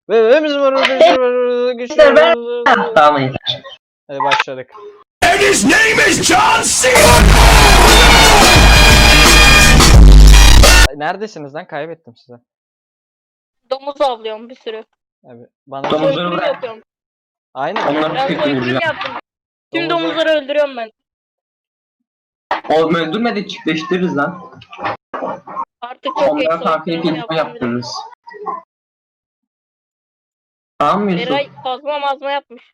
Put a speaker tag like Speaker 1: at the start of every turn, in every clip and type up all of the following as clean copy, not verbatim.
Speaker 1: Ve biz var.
Speaker 2: Tamam yeter.
Speaker 1: Hadi başladık.
Speaker 3: And his name is John C.
Speaker 1: Neredesiniz lan? Kaybettim size.
Speaker 4: Domuz avlıyorum bir sürü.
Speaker 1: Abi bana
Speaker 2: Domuzları
Speaker 4: Soykırım
Speaker 2: bırak.
Speaker 4: yapıyorum.
Speaker 1: aynen.
Speaker 2: Onları
Speaker 4: Ben
Speaker 2: tek
Speaker 4: soykırım
Speaker 2: vuracağım.
Speaker 4: yaptım. Tüm
Speaker 1: Domuzlar-
Speaker 4: domuzları öldürüyorum ben.
Speaker 2: Oğlum öldürmedi çiftleştiririz lan.
Speaker 4: Artık çok geç
Speaker 2: Onlara farklı
Speaker 4: soykırım
Speaker 2: ekip yaptırırız. Tamam mı Yusuf?
Speaker 4: Eray kazma mazma yapmış.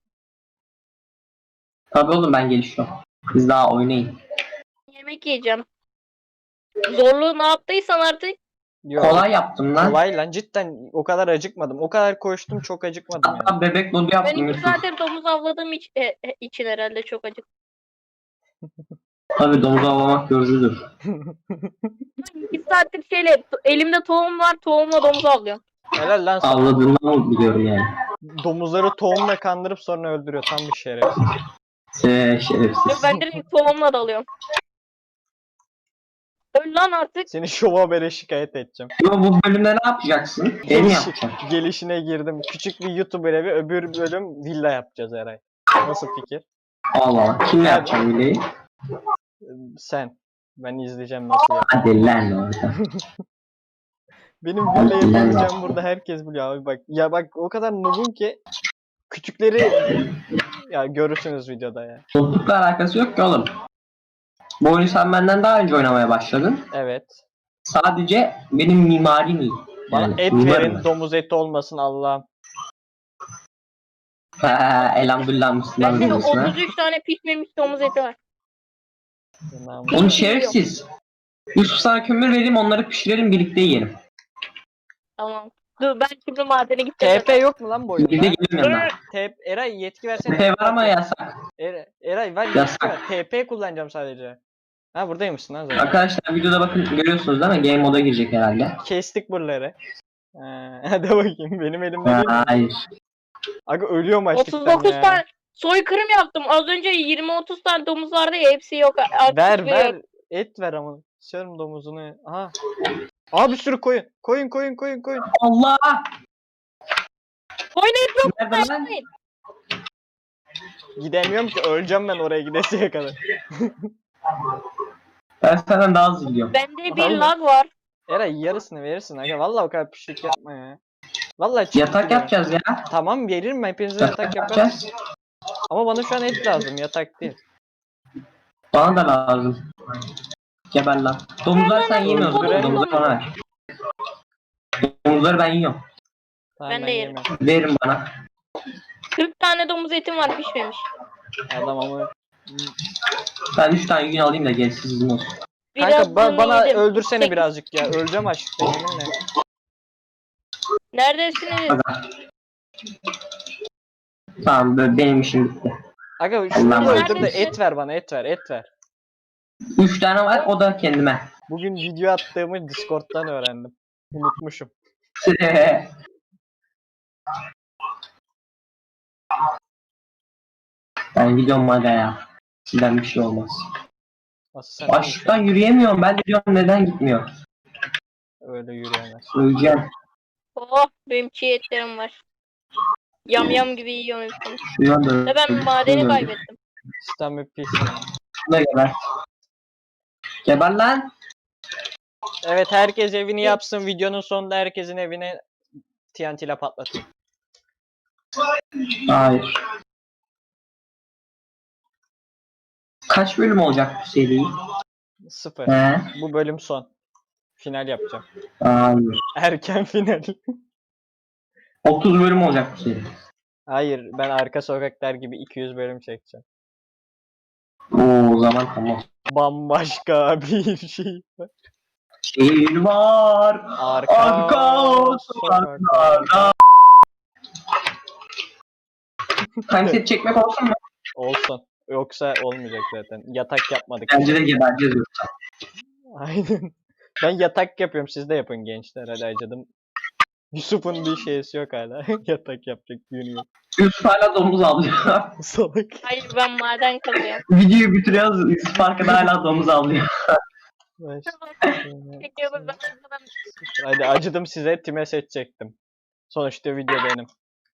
Speaker 2: Tabii oğlum ben gelişiyorum. Biz daha oynayın.
Speaker 4: Yemek yiyeceğim. Zorluğu ne yaptıysan artık.
Speaker 1: Yok.
Speaker 2: Kolay yaptım lan.
Speaker 1: Kolay lan, cidden o kadar acıkmadım. O kadar koştum, çok acıkmadım yani.
Speaker 2: Hatta bebek modu
Speaker 4: Ben
Speaker 2: yaptım
Speaker 4: iki
Speaker 2: Yusuf.
Speaker 4: saattir domuz avladığım için herhalde çok acık.
Speaker 2: Tabii domuz avlamak yorucudur.
Speaker 4: 2 saattir elimde tohum var, tohumla domuz avlıyorum.
Speaker 1: Helal lan sana.
Speaker 2: Avladığımdan mı biliyorum yani.
Speaker 1: Domuzları tohumla kandırıp sonra öldürüyor. Tam bir şerefsiz.
Speaker 2: Şerefsiz.
Speaker 4: Ben direkt tohumla dalıyorum. Öl lan artık.
Speaker 1: Seni şova bere şikayet edeceğim.
Speaker 2: Yo, bu bölümde ne yapacaksın? Ev mi yapacaksın?
Speaker 1: Gelişine girdim. Küçük bir YouTuber evi, öbür bölüm villa yapacağız Eray. Nasıl fikir?
Speaker 2: Allah Allah. Kim yapacak bileği?
Speaker 1: Sen. Ben izleyeceğim nasıl yap.
Speaker 2: Hadi lan orada.
Speaker 1: Benim villa yapabileceğim burada herkes biliyor abi bak. Ya bak o kadar noobum ki küçükleri ya görürsünüz videoda ya.
Speaker 2: Toplulukla alakası yok ki oğlum. Bu oyunu sen benden daha önce oynamaya başladın.
Speaker 1: Evet.
Speaker 2: Sadece benim mimarim iyi.
Speaker 1: Bana
Speaker 2: Yani
Speaker 1: et
Speaker 2: mimarım
Speaker 1: verin,
Speaker 2: ben.
Speaker 1: domuz eti olmasın Allah'ım.
Speaker 2: Elhamdülillah Müslüman
Speaker 4: Bende
Speaker 2: olmasın ha.
Speaker 4: 33 tane pişmemiş domuz eti var.
Speaker 2: Onu şerefsiz. Yusuf sana kömür vereyim onları pişirelim birlikte yiyelim.
Speaker 4: Tamam. Dur ben şimdi madene gideceğim.
Speaker 1: TP yok mu lan bu oyunda?
Speaker 2: Birlikte yiyelim yanına.
Speaker 1: Eray yetki versene.
Speaker 2: Tepe var ama yasak.
Speaker 1: Eray ver yetki
Speaker 2: Yasak.
Speaker 1: ver. TP kullanacağım sadece. Ha buradaymışsın lan zaten.
Speaker 2: Arkadaşlar videoda bakın görüyorsunuz değil mi? Game moda girecek herhalde.
Speaker 1: Kestik buraları. Hadi bakayım benim elimde değil mi?
Speaker 2: Hayır.
Speaker 1: Aga ölüyorum açlıktan
Speaker 4: 39
Speaker 1: ya.
Speaker 4: tane soykırım yaptım. Az önce 20-30 tane domuz vardı ya hepsi yok. Artık
Speaker 1: Ver
Speaker 4: yok.
Speaker 1: ver. Et ver ama. Sıçarım domuzunu. Aha. Aa bir sürü koyun. Koyun.
Speaker 2: Allah!
Speaker 4: Koyun et yok.
Speaker 2: Nerede lan?
Speaker 1: Gidemiyorum ki, öleceğim ben oraya gidesiye kadar.
Speaker 2: Ben senden daha hızlı gidiyorum.
Speaker 4: Bende bir
Speaker 1: Vallahi.
Speaker 4: lag var.
Speaker 1: Eray yarısını verirsin aga. Vallahi o kadar pişlik yapma ya. Vallahi çıktı
Speaker 2: Yatak
Speaker 1: ya.
Speaker 2: yapacağız ya.
Speaker 1: Tamam veririm, hepinize yatak yaparım.
Speaker 2: yapacağız.
Speaker 1: Ama bana şu an et lazım, yatak değil.
Speaker 2: Bana da lazım. Geber lan. Domuzlar sen yemiyorsun.
Speaker 1: Öldüre.
Speaker 2: Domuzları bana ver. Domuzları ben yiyorum.
Speaker 1: Tamam,
Speaker 4: Ben de yerim.
Speaker 1: yemem.
Speaker 2: Verin bana.
Speaker 4: 40 tane domuz etim var pişmemiş.
Speaker 1: Adam ama.
Speaker 2: Ben 3 tane gün alayım da gerisi sizin olsun.
Speaker 1: Kanka
Speaker 4: Birazını
Speaker 1: bana
Speaker 4: yedim.
Speaker 1: öldürsene
Speaker 4: Sekiz-
Speaker 1: birazcık ya. Öleceğim açlıktan yeminle.
Speaker 4: Neredesiniz?
Speaker 2: Aga. Tamam benim işim bitti.
Speaker 1: Aga şunu
Speaker 2: Allah'ım.
Speaker 1: öldür de
Speaker 4: Neredesin?
Speaker 1: et ver bana, et ver.
Speaker 2: 3 tane var o da kendime.
Speaker 1: Bugün video attığımı Discord'dan öğrendim. Unutmuşum.
Speaker 2: Ben gidiyorum hadi ya. Sizden bir şey olmaz.
Speaker 1: Nasıl sen
Speaker 2: Açlıktan yürüyemiyorum. Ben de diyorum neden gitmiyor.
Speaker 1: öyle yürüyemez.
Speaker 2: Öleceğim.
Speaker 4: Oh benim çiğ etlerim var. Yam gibi yiyorum hepsini.
Speaker 2: Şuradan da
Speaker 4: Ve ben madeni kaybettim.
Speaker 1: Sistem pis.
Speaker 2: Şuna geber. Geber lan.
Speaker 1: Evet, herkes evini yapsın. Videonun sonunda herkesin evine TNT ile patlatın.
Speaker 2: Hayır. Kaç bölüm olacak bu seri?
Speaker 1: 0.
Speaker 2: He?
Speaker 1: Bu bölüm son. Final yapacağım.
Speaker 2: Hayır.
Speaker 1: Erken final.
Speaker 2: 30 bölüm olacak bu seri.
Speaker 1: Hayır, ben Arka Sokaklar gibi 200 bölüm çekeceğim.
Speaker 2: Oo, o zaman tamam.
Speaker 1: Bambaşka bir şey.
Speaker 2: Şehir var. Arka sokaklarda. Kanset çekmek olsun mu?
Speaker 1: Olsun. Yoksa olmayacak zaten. Yatak yapmadık.
Speaker 2: Bence de gebereceğiz yoksa.
Speaker 1: Aynen. Ben yatak yapıyorum. Siz de yapın gençler. Hadi acıdım. Yusuf'un bir şeysi yok hala. Yatak yapacak yönü yok.
Speaker 2: Yusuf hala domuz avlıyor.
Speaker 1: Salak.
Speaker 4: Hayır ben maden kazıyorum.
Speaker 2: Videoyu bitiriyoruz. Yusuf arkada hala domuz avlıyor.
Speaker 1: Baş-
Speaker 4: Çekiyoruz ben.
Speaker 1: Hadi acıdım size. Time seçecektim. Sonuçta video benim.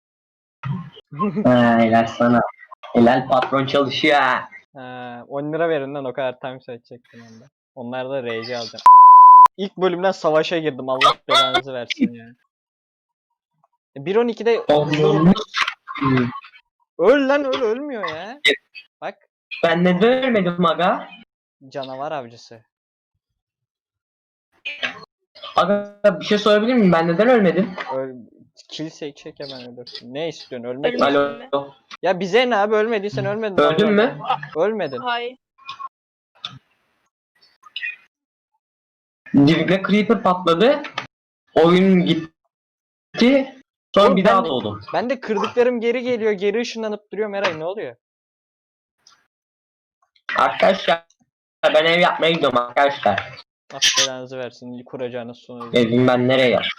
Speaker 2: Ha, helal sana. Helal patron çalışıyor ha.
Speaker 1: 10 lira verin lan o kadar time set çektim onda. Onlar da RC alacağım. İlk bölümden savaşa girdim. Allah belanızı versin ya. 1.12'de öl lan öl ölmüyor ya. Bak
Speaker 2: Ben neden ölmedim aga?
Speaker 1: canavar avcısı.
Speaker 2: Aga bir şey sorabilir miyim? Ben neden ölmedim?
Speaker 1: Öl kill çek hemen ölürsün. Ne istiyorsun ölmek mi?
Speaker 4: Ölmedim
Speaker 2: Alo.
Speaker 4: mi?
Speaker 1: Ya bize ne abi ölmediysen ölmedin.
Speaker 2: Öldün
Speaker 1: Allah
Speaker 2: mü?
Speaker 1: Allah. Ölmedin.
Speaker 4: Hayır.
Speaker 2: Dibime creeper patladı. Oyun gitti. Sonra
Speaker 1: Oğlum
Speaker 2: bir
Speaker 1: ben
Speaker 2: daha
Speaker 1: de-
Speaker 2: doğdum.
Speaker 1: Ben de kırdıklarım geri geliyor. Geri ışınlanıp duruyor Meray ne oluyor?
Speaker 2: Arkadaşlar ben ev yapmaya gidiyorum arkadaşlar.
Speaker 1: Allah belanızı versin. Kuracağınız sonu.
Speaker 2: Evim ben nereye yap?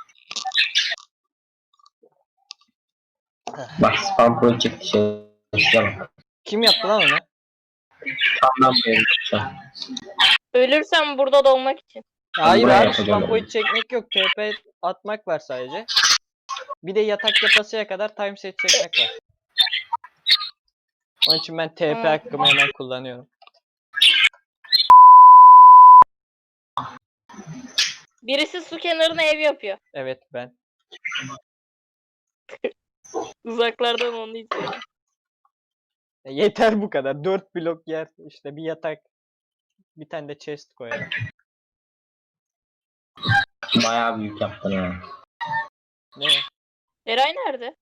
Speaker 2: Bak spam project şey.
Speaker 1: Kim yaptı lan onu?
Speaker 2: Tamam bu evi yapacağım.
Speaker 4: Ölürsem burada doğmak için.
Speaker 1: Hayır
Speaker 2: buraya
Speaker 1: abi
Speaker 2: yapacağım
Speaker 1: spam
Speaker 2: onu.
Speaker 1: point çekmek yok. TP atmak var sadece. Bir de yatak yapasıya kadar time set çekmek var. Onun için ben TP hakkımı hemen kullanıyorum.
Speaker 4: Birisi su kenarına ev yapıyor.
Speaker 1: Evet ben.
Speaker 4: Uzaklardan onu izliyorum.
Speaker 1: Yeter bu kadar. 4 blok yer. İşte bir yatak. Bir tane de chest koyalım.
Speaker 2: Bayağı büyük yaptın ha.
Speaker 1: Ne?
Speaker 4: Eray nerede?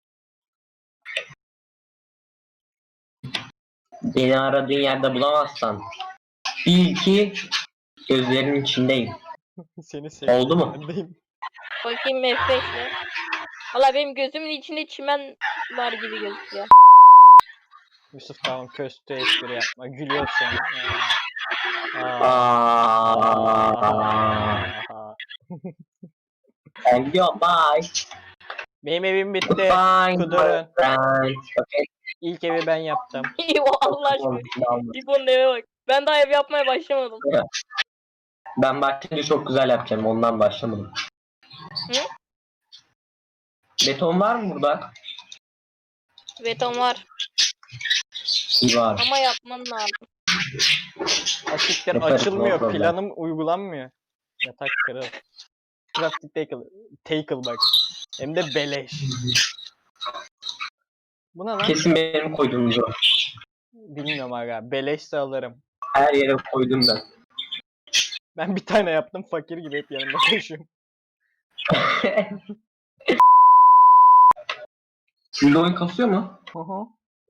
Speaker 2: Beni aradığın yerde bulamazsan bil ki gözlerinin içindeyim.
Speaker 1: Seni seviyorum.
Speaker 2: Oldu mu?
Speaker 1: Bendeyim.
Speaker 4: Bakayım F5'le. Valla benim gözümün içinde çimen var gibi gözüküyor.
Speaker 1: Yusuf tamam köstü espri yapma. Gülüyorsun.
Speaker 2: Aa. Ben gidiyorum. Bye.
Speaker 1: Benim evim bitti.
Speaker 2: Bye.
Speaker 1: Kudurun.
Speaker 2: Bye. Okay.
Speaker 1: İlk evi ben yaptım.
Speaker 4: İyi o Allah aşkına. İbo'nun eve bak. Ben daha ev yapmaya başlamadım.
Speaker 2: Ben başlayınca çok güzel yapacağım. Ondan başlamadım.
Speaker 4: Hı?
Speaker 2: Beton var mı burada?
Speaker 4: Beton var
Speaker 2: İyi var.
Speaker 4: ama yapman lazım.
Speaker 1: Asiktir
Speaker 2: Yaparız, no
Speaker 1: açılmıyor.
Speaker 2: problem.
Speaker 1: Planım uygulanmıyor. Yatak kırıl. Crafting tackle. Tackle bak. Hem de beleş. Bu ne lan?
Speaker 2: Kesin benim koyduğumdu.
Speaker 1: Bilmiyorum aga. Beleşse alırım.
Speaker 2: Her yere koydum ben.
Speaker 1: Ben bir tane yaptım fakir gibi hep yanımda taşıyorum.
Speaker 2: Sizde oyun kasıyor mu?
Speaker 1: Hı hı.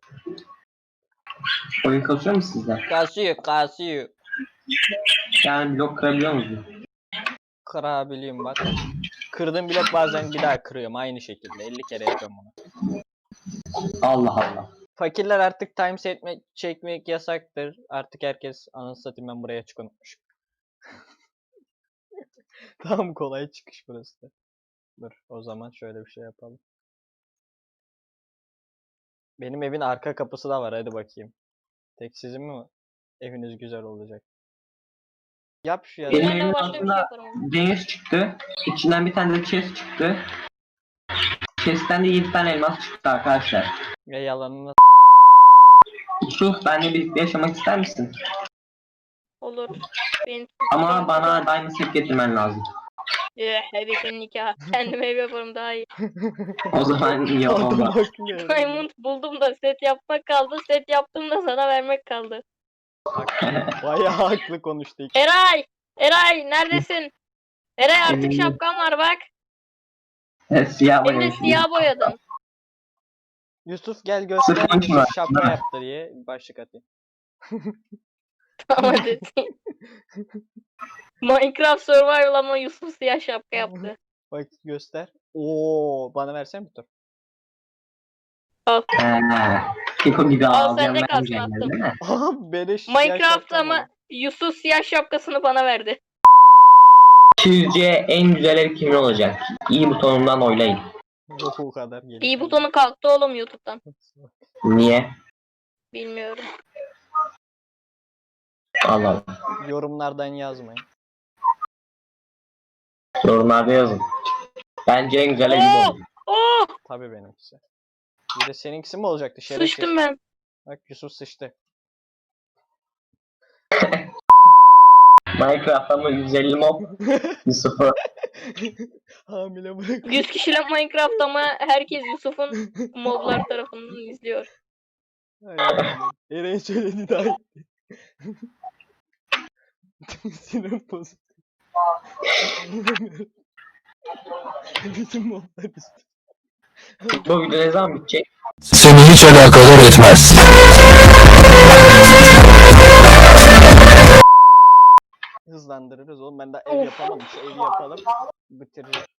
Speaker 2: Oyun kasıyor mu sizde?
Speaker 1: Kasıyor kasıyor.
Speaker 2: Yani blok kırabiliyor musunuz?
Speaker 1: Kırabiliyorum bak. Kırdığım blok bazen bir daha kırıyorum aynı şekilde. 50 kere yapıyorum bunu.
Speaker 2: Allah Allah.
Speaker 1: Fakirler artık time set çekmek yasaktır. Artık herkes anasını satayım ben buraya açık unutmuş. Tamam kolay çıkış burası da. Dur o zaman şöyle bir şey yapalım. Benim evin arka kapısı da var hadi bakayım. Tek sizin mi eviniz güzel olacak? Yap şu ya.
Speaker 2: Benim
Speaker 4: Ben
Speaker 2: evimin
Speaker 4: de başka bir şey
Speaker 2: altında
Speaker 4: yaparım.
Speaker 2: deniz çıktı. İçinden bir tane de chest çıktı. Chest'ten de 7 tane elmas çıktı arkadaşlar.
Speaker 1: Ya yalanını
Speaker 2: Yusuf benimle birlikte yaşamak ister misin?
Speaker 4: Olur. Benim
Speaker 2: Ama bana diamond set getirmen lazım.
Speaker 4: Hebesin nikahı. Kendim ev yaparım daha iyi.
Speaker 2: O zaman iyi
Speaker 1: adam
Speaker 2: olmaz.
Speaker 1: haklı ya.
Speaker 4: Diamond buldum da set yapmak kaldı. Set yaptım da sana vermek kaldı.
Speaker 1: Bayağı haklı konuştu.
Speaker 4: Eray! Eray neredesin? Eray artık
Speaker 2: Eminim.
Speaker 4: şapkan var bak.
Speaker 2: Siyah
Speaker 4: Hem de
Speaker 2: boyamışsın.
Speaker 4: siyah boyadın.
Speaker 1: Yusuf gel göster
Speaker 2: Sırf onun için var,
Speaker 1: Yusuf şapka
Speaker 2: değil mi?
Speaker 1: yaptı diye başlık atayım.
Speaker 4: Tamam hadi. Minecraft Survival ama Yusuf siyah şapka yaptı.
Speaker 1: Bak göster. Oo bana versene bir tur.
Speaker 2: Kiko gibi
Speaker 4: Al,
Speaker 2: ağlayan
Speaker 4: sende kalsın,
Speaker 2: vermeyeceksin
Speaker 4: attım.
Speaker 2: değil mi?
Speaker 1: Aha beleş siyah
Speaker 4: Minecraft
Speaker 1: şapkam
Speaker 4: ama
Speaker 1: var.
Speaker 4: Yusuf siyah şapkasını bana verdi.
Speaker 2: Sizce en güzel ev kimin olacak? İyi butonundan oylayın.
Speaker 1: Yok o kadar gelip.
Speaker 4: İyi butonu kalktı oğlum YouTube'dan.
Speaker 2: Niye?
Speaker 4: Bilmiyorum.
Speaker 2: Allah Allah.
Speaker 1: Yorumlardan yazmayın.
Speaker 2: Yorumlarda yazın. Bence en güzel elim
Speaker 4: Oo!
Speaker 2: oldu.
Speaker 4: Oh!
Speaker 1: Tabii benimkisi. Bir de seninkisi mi olacaktı şerefsiz?
Speaker 4: Sıçtım ben.
Speaker 1: Bak Yusuf sıçtı.
Speaker 2: Minecraft'ta mı 150 mob? Yusuf'u.
Speaker 1: Hamile bırak.
Speaker 4: 100 kişiyle Minecraft ama herkes Yusuf'un moblar tarafından izliyor.
Speaker 1: Ay Allah'ım. Eren söyledi daha iyi. Sinir bozuk. Bütün moblar işte.
Speaker 2: Bu video ne zaman bitecek?
Speaker 3: Seni hiç alakadar etmez.
Speaker 1: Hızlandırırız oğlum. Ben daha ev
Speaker 4: Of.
Speaker 1: yapamadım. Şu evi yapalım. Bitiririz.